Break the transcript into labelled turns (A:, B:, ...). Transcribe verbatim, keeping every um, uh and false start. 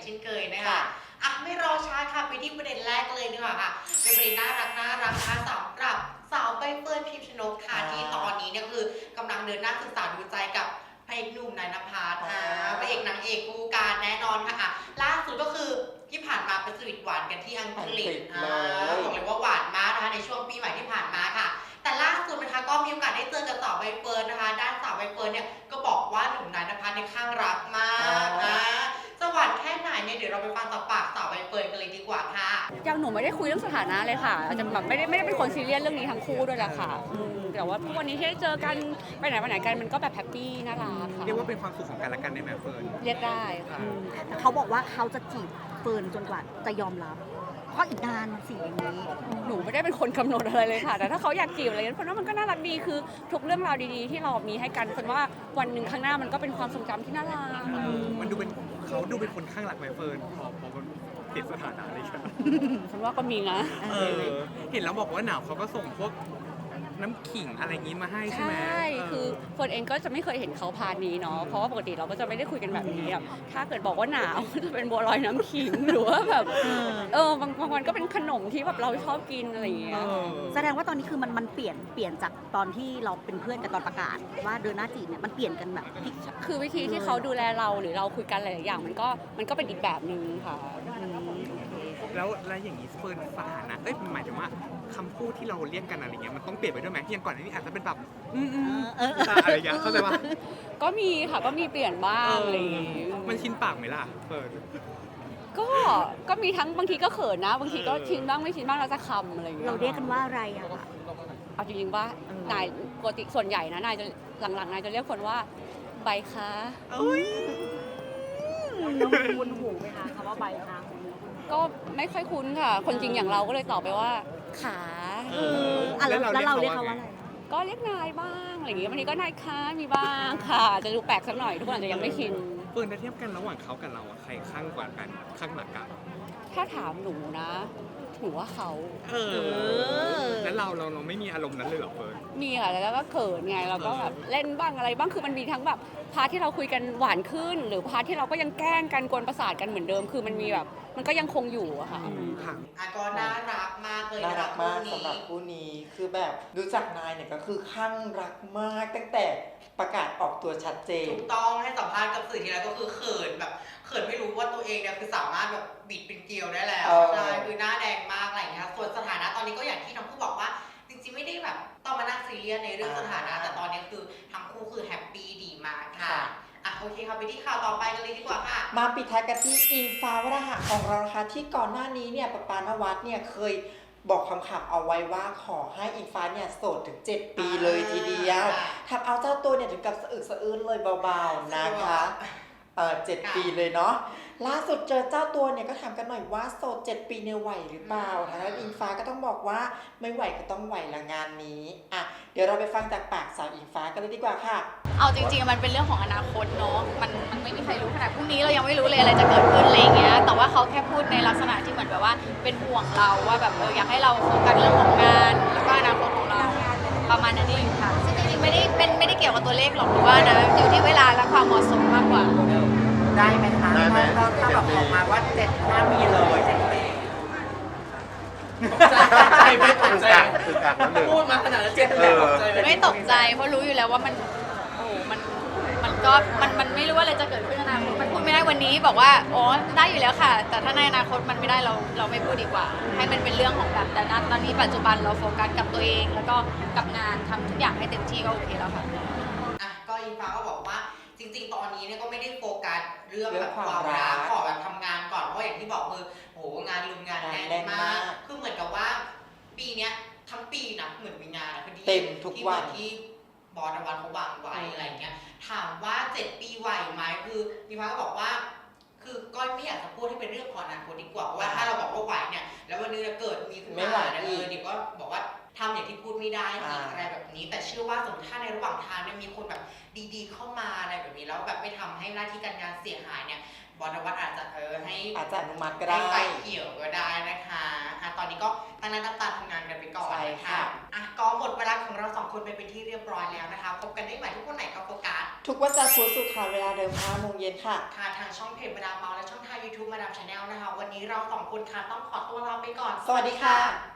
A: เช่นเคยนะคะอ่ะไม่รอช้าค่ะไปที่ประเด็นแรกเลยดีกว่าค่ะเป็นประเด็นน่ารักน่ารักนะคะสำหรับสาวใบเฟิร์นพิมชนกค่ะที่ตอนนี้เนี่ยคือกำลังเดินหน้าศึกษาดูใจกับพระเอกหนุ่มนายณภัสอ่าพระเอกนางเอกคู่กันแน่นอนค่ะอ่ะล่าสุดก็คือที่ผ่านมาเป็นสวีทหวานกันที่อังกฤษอ่าบอกเลยว่าหวานมากนะคะในช่วงปีใหม่ที่ผ่านมาค่ะแต่ล่าสุดนะคะก็มีโอกาสได้เจอกับสาวใบเฟิร์นนะคะด้านสาวใบเฟิร์นเนี่ยก็บอกว่าหนุ่มนายณภัสในข้างรักมากนะสวรรค์แค่ไหนเนี่ยเดี๋ยวเราไปฟังจากปากสาวใบเฟิร์นกันเลยดีกว่าค่ะ
B: ยังหนูไม่ได้คุยเรื่องสถานะเลยค่ะอาจจะแบบไม่ได้ไม่ได้เป็นคนซีเรียสเรื่องนี้ทั้งคู่ด้วยแหละค่ะอืมแต่ว่าทุกวันนี้ที่ได้เจอกันไปไหนมาไหนกันมันก็แบบแฮปปี้น่ารักค่ะ
C: เรียกว่าเป็นความสุขของกันและกันได้ไหมเฟิร์น
B: เรียกได้ค่ะ
D: แต่เขาบอกว่าเขาจะจีบเฟิร์นจนกว่าจะยอมรับเพราะอีกนานสิอย่างนี้
B: หนูไม่ได้เป็นคนกำหนดอะไรเลยค่ะแต่ถ้าเขาอยากจีบอะไรนั้นเพราะว่ามันก็น่ารักดีคือทุกเรื่องราวดีๆที่เรามีให้กันคนว่าวันหนึ่งข้างหน้ามันก็เป็นความทรงจำที่น่ารัก
C: มันดูเป็นเขาดูเป็นคนข้างหลักไหมเฟิร์นพอพอมันเปลี่ยนสถานะอะไรกัน
B: ฉันว่าก็มีนะ
C: เออเห็นแล้วบอกว่าหนาวเขาก็ส่งพวกน้ำขิงอะไรอย่างนี้มาให้ใช่ไหม
B: ใช่คือเฟิร์นเองก็จะไม่เคยเห็นเขาพานี้เนาะเพราะว่าปกติเราก็จะไม่ได้คุยกันแบบนี้แบบถ้าเกิดบอกว่าหนาวจะเป็นบัวลอยน้ำขิงหรือว่าแบบเออบางบางวันก็เป็นขนมที่แบบเราชอบกินอะไรอย่างเงี้ย
D: แสดงว่าตอนนี้คือมันมันเปลี่ยนเปลี่ยนจากตอนที่เราเป็นเพื่อนกันตอนประกาศว่าเดินหน้าจีบเนี่ยมันเปลี่ยนกันแบบ
B: คือวิธีที่เขาดูแลเราหรือเราคุยกันหลายอย่างมันก็มันก็เป็นอีกแบบนึงค่ะ
C: แล้วแล้วอย่างนี้เฟิร์นสถานะเอ้ยหมายถึงว่าคำพูดที่เราเรียกกันอะไรเงี้ยมันต้องเปลี่ยนไปด้วยไหมอย่างก่อนหน้านี้อาจจะเป็นแบบอืมอืมอะไรอย่างเงี้ยเข้าใจป่ะ
B: ก็มีค่ะก็มีเปลี่ยนบ้างอะไรอย่างงี้
C: มันชินปากไหมล่ะเฟิร์น
B: ก็ก็มีทั้งบางทีก็เขินนะบางทีก็ชินบ้างไม่ชินบ้างเราจะคำอะไรอย่างเงี้ย
D: เราเรียกกันว่าอะไรอะคะ
B: เอาจริงๆว่านายปกติส่วนใหญ่นะนายจะหลังๆนายจะเรียกคนว่าใบคะ
D: น้องคุ้นหูไหมคะคำว่าใบคะ
B: ก็ไม่ค่อยคุ้นค่ะคนจริงอย่างเราก็เลยตอบไปว่าขา
D: แล้วเราเรียกเขาว่าอะไร
B: ก็เรียกนายบ้างอะไรอย่างเงี้ยบางทีก็นายคะมีบ้างค่ะจะดูแปลกสักหน่อยทุกคนอาจจะยังไม่ชิน
C: เฟิร์นถ้าเทียบกันระหว่างเขากับเราอะใครข้างกว่ากันข้างหลักกัน
B: ถ้าถามหนูนะหนูว่าเขา
C: เออแล้วเราเราเราไม่มีอารมณ์นั้นเลยเหรอเฟิร์น
B: มีค่ะแล้วก็เขินไงเราก็แบบเล่นบ้างอะไรบ้างคือมันมีทั้งแบบพาร์ทที่เราคุยกันหวานขึ้นหรือพาร์ทที่เราก็ยังแกล้งกันกวนประสาทกันเหมือนเดิมคือมันมีแบบมันก็ยังคงอยู่อะค่ะ
A: อ่ะก็น่ารักมากเลย
E: น่ารักมากสำหรับคู่นี้คือแบบรู้จักนายเนี่ยก็คือข้างรักมากตั้งแต่ประกาศออกตัวชัดเจน
A: ถูกต้องให้สัมภาษณ์กับสื่อทีไรก็คือเขินแบบเขินไม่รู้ว่าตัวเองเนี่ยคือสามารถแบบบิดเป็นเกลียวได้แล้วใช่คือหน้าแดงมากอะไรอย่างเงี้ยส่วนสถานะตอนนี้ก็อย่างที่ทั้งคู่บอกว่าจริงๆไม่ได้แบบต้องมานั่งซีเรียสในเรื่องสถานะแต่ตอนนี้คือทั้งคู่คือแฮปปี้ดีมากค่ะอ่ะโอเคค่ะไปที่ข่าวต่อไปกันเลยดีกว่าค่ะ
E: มาปิดท้ายกันที่อิงฟ้าวราหะของเรานะคะที่ก่อนหน้านี้เนี่ยปปานวัดเนี่ยเคยบอกคำขับเอาไว้ว่าขอให้อิงฟ้าเนี่ยโสดถึงเจ็ดปีเลยทีเดียวทำเอาเจ้าตัวเนี่ยถึงกับสะอึกสะอื้นเลยเบาๆนะคะเออเจ็ดปีเลยเนาะล่าสุดเจอเจ้าตัวเนี่ยก็ถามกันหน่อยว่าโสดเจ็ดปีเนี่ยไหวหรือเปล่าทางด้านอิงฟ้าก็ต้องบอกว่าไม่ไหวก็ต้องไหวละงานนี้อ่ะเดี๋ยวเราไปฟังจากปากสาวอิงฟ้ากันเลยดีกว่าค่ะ
F: เอาจริงๆมันเป็นเรื่องของอนาคตเนาะมันมันไม่มีใครรู้ขนาดพรุ่งนี้เรายังไม่รู้เลยอะไรจะเกิดขึ้นอะไรอย่างเงี้ยแต่ว่าเขาแค่พูดในลักษณะที่เหมือนแบบว่าเป็นห่วงเราว่าแบบเอออยากให้เราโฟกัสเรื่องของงานแล้วก็อนาคตของเราประมาณนั้นเองค่ะซึ่งจริงๆไม่ได้เป็นไม่ได้เกี่ยวกับตัวเลขหรอกหรือว่านะอยู่ที่เวลาและความเหมาะสมมากกว่า
E: ได้ไหมคะถ้าถ้าแบบออกมาว่าเจ็ดห้าปีเลยเจ็ดปี
C: ใจไม่ตกใจ
G: พูดมาขนาดนั้นเจ็ดปีตกใจ
F: ไม่ตกใจเพราะรู้อยู่แล้วว่ามันโอ้มันมันก็มันมันไม่รู้ว่าอะไรจะเกิดขึ้นในอนาคตมันพูดไม่ได้วันนี้บอกว่าอ๋อได้อยู่แล้วค่ะแต่ถ้าในอนาคตมันไม่ได้เราเราไม่พูดดีกว่าให้มันเป็นเรื่องของแบบแต่ณตอนนี้ปัจจุบันเราโฟกัสกับตัวเองแล้วก็กับงานทำทุกอย่างให้เต็มที่ก็โอเคแล้วค่ะ
A: อ่ะก็อิงฟ้าก็บอกว่าจริงๆตอนนี้เนี่ยก็ไม่ได้โฟกัสเรื่องแบบความรักขอแบบทำงานก่อนเพราะอย่างที่บอกคือโหงานลุมงานแน่นมากคือเหมือนกับว่าปีเนี้ยทั้งปีนะเหมือนมีงานพอดี
E: เต็มทุกวัน
A: ที่บอสนวัตเขาวางไว้อะไรเงี้ยถามว่าเจ็ดปีไหวไหมคืออิงฟ้าก็บอกว่าคือก็ไม่อยากจะพูดให้เป็นเรื่องของอนาคตดีกว่าเพราะว่าถ้าเราบอกว่าไหวเนี่ยแล้ววันนึงจะเกิดมีขึ้นมาเนี่ยเออเดี๋ยวก็บอกว่าทำอย่างที่พูดไม่ได้อีกอะไรแบบนี้แต่เชื่อว่าสมมติถ้าในระหว่างทางเนี่ยมีคนแบบดีๆเข้ามาอะไรแบบนี้แล้วแบบไม่ทำให้หน้าที่การงานเสียหายเนี่ยบอสนวัตอาจจะเออให้
E: อาจจะอนุมัติก็ได้
A: ไฟเขียวก็ได้นะคะอ่ะตอนนี้ก็ตั้งหน้าตั้งตาทำงานกันไปก่อน
E: ใช่ค่ะ
A: อ่ะก็หมดเวลาของเราสองคนไปเป็นที่เรียบร้อยแล้วนะคะพบกันได้ใหม่ทุกวันไหนก็โฟกัส
E: ทุกวันจันทร์พุธศุกร์ค่ะเวลาเดิมห้าโมงเย็นค่ะ
A: ค่ะทางช่องเพจมาดามเมาและช่องทาง YouTube มาดามชาแนลนะคะ วันนี้เราสองคนค่ะต้องขอตัวลาไปก่อน
E: สวัสดีค่ะ